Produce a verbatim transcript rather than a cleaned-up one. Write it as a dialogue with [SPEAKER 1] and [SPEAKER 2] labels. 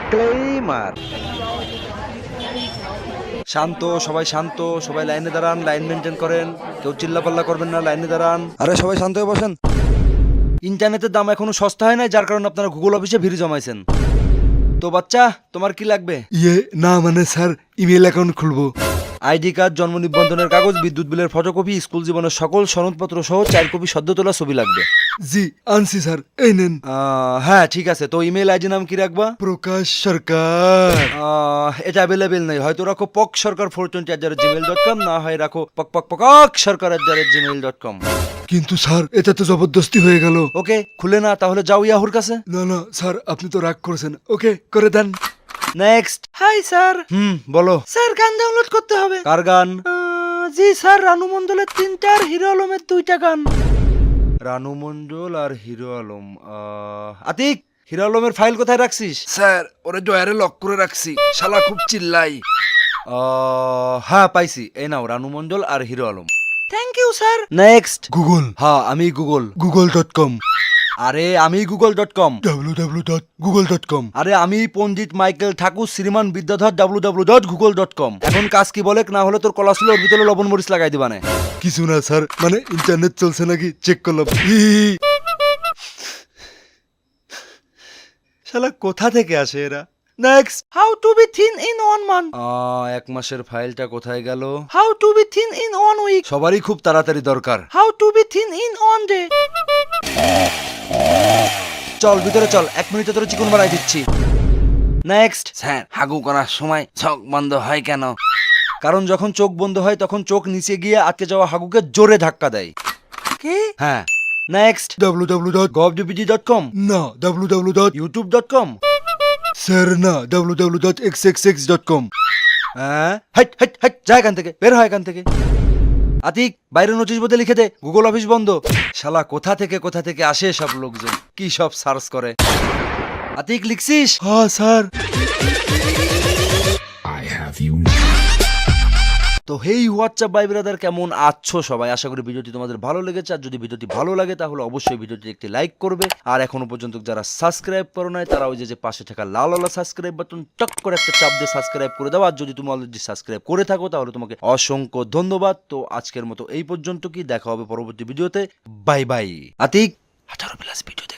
[SPEAKER 1] Disclaimer. শান্ত, সবাই শান্ত, সবাই লাইনে দাঁড়ান, লাইন মেনটেন করেন, কেউ চিল্লাপাল্লা করবেন না, লাইনে দাঁড়ান।
[SPEAKER 2] আরে সবাই শান্ত হয়ে বসেন।
[SPEAKER 1] ইন্টারনেটের দাম এখনো সস্তা হয় নাই, যার কারণে আপনারা গুগল অফিসে ভিড় জমাইছেন। তো বাচ্চা, তোমার কি লাগবে?
[SPEAKER 2] ইয়ে না মানে স্যার ইমেল অ্যাকাউন্ট খুলবো।
[SPEAKER 1] আইডি কার্ড, জন্ম নিবন্ধনের কাগজ, বিদ্যুৎ বিলের ফটোকপি, স্কুল জীবনের সকল সনদপত্র সহ চার কপি সদ্য তোলা ছবি লাগবে।
[SPEAKER 2] জি আনছি স্যার, এই নেন।
[SPEAKER 1] আহ, হ্যাঁ ঠিক আছে, তো ইমেল আইডি নাম কি রাখবা?
[SPEAKER 2] প্রকাশ সরকার।
[SPEAKER 1] আহ, এটা অ্যাভেলেবেল নেই, হয়তো রাখো Pok Sarkar four twenty at Gmail dot com, না হয় রাখো Pok Pok Pok Sarkar at Gmail dot com.
[SPEAKER 2] কিন্তু স্যার এটা তো জবরদস্তি হয়ে গেল।
[SPEAKER 1] ওকে, খুলে না, তাহলে যাও ইয়াহুর কাছে।
[SPEAKER 2] না না স্যার আপনি তো রাগ করেছেন, ওকে করে দেন।
[SPEAKER 1] নেক্সট।
[SPEAKER 3] Hi sir.
[SPEAKER 1] হুম, বলো।
[SPEAKER 3] স্যার গান ডাউনলোড করতে হবে।
[SPEAKER 1] কার গান?
[SPEAKER 3] আহ, জি স্যার, রানু মন্ডলের তিনটা আর হিরো আলমের দুইটা গান।
[SPEAKER 1] রানু মন্ডল আর হিরো আলম। আহ, আতিক, হিরো আলমের ফাইল কোথায় রাখছিস?
[SPEAKER 2] স্যার ওরে ডয়ারে লক করে রাখছি, শালা খুব চিল্লাই।
[SPEAKER 1] আহ, হ্যাঁ পাইছি, এই নাও রানু মন্ডল আর Hero Alam.
[SPEAKER 3] Thank you sir.
[SPEAKER 1] Next.
[SPEAKER 2] Google.
[SPEAKER 1] হ্যাঁ আমি গুগল।
[SPEAKER 2] Google dot com.
[SPEAKER 1] আরে আমি Google dot com.
[SPEAKER 2] W W dot Google dot com.
[SPEAKER 1] আরে আমি Pandit Michael Thakur Shriman Vidyadhar W W dot Google dot com. এখন কাজ কি বলে, না হলে তোর কলাশুল ওর ভিতরে লবণ মরিচ লাগাই দিবানে।
[SPEAKER 2] কিছু না স্যার, মানে ইন্টারনেট চলছে নাকি চেক করলাম। ই,
[SPEAKER 1] শালা কোথা থেকে আসে এরা? Next.
[SPEAKER 3] How to be thin in one month.
[SPEAKER 1] আহ, এক মাসের ফাইলটা কোথায় গেল?
[SPEAKER 3] How to be thin in one week.
[SPEAKER 1] সবারই খুব তাড়াতাড়ি দরকার।
[SPEAKER 3] How to be thin in one day.
[SPEAKER 1] চল ভিতরে চল, এক মিনিটে তোর চিকন বানাই দিচ্ছি। নেক্সট।
[SPEAKER 4] স্যার হাগু করার সময় চোখ বন্ধ হয় কেন?
[SPEAKER 1] কারণ যখন চোখ বন্ধ হয় তখন চোখ নিচে গিয়ে আটকে যাওয়া হাগুকে জোরে ধাক্কা দেয়।
[SPEAKER 3] কি?
[SPEAKER 1] হ্যাঁ। Next.
[SPEAKER 2] W W dot
[SPEAKER 1] gov DPT dot com.
[SPEAKER 2] না W W dot
[SPEAKER 1] YouTube dot com.
[SPEAKER 2] Sir না W W dot X X X dot com.
[SPEAKER 1] হ্যাঁ, হাইট হাইট হাইট, যা এখান থেকে, বের হয় এখান থেকে। আতিক, বাইরে নোটিশ বোর্ডে লিখে দে গুগল অফিস বন্ধ। শালা কোথা থেকে কোথা থেকে আসে সব লোকজন, কি সব সার্চ করে। আতিক লিখছিস?
[SPEAKER 2] হ্যাঁ স্যার।
[SPEAKER 1] তো হেই হোয়াটসঅ্যাপ ভাই ব্রাদার, কেমন আছো সবাই? আশা করি ভিডিওটি তোমাদের ভালো লেগেছে। আর যদি ভিডিওটি ভালো লাগে তাহলে অবশ্যই ভিডিওটি একটি লাইক করবে। আর এখনো পর্যন্ত যারা সাবস্ক্রাইব করো নাই তারা ওই যে যে পাশে থাকা লাল লাল সাবস্ক্রাইব বাটন টক করে একটা চাপ দিয়ে সাবস্ক্রাইব করে দাও। আর যদি তুমি অলরেডি সাবস্ক্রাইব করে থাকো তাহলে তোমাকে অসংখ্য ধন্যবাদ। তো আজকের মতো এই পর্যন্ত, কি দেখা হবে পরবর্তী ভিডিওতে। Bye bye. আতিক, আঠারো প্লাস ভিডিও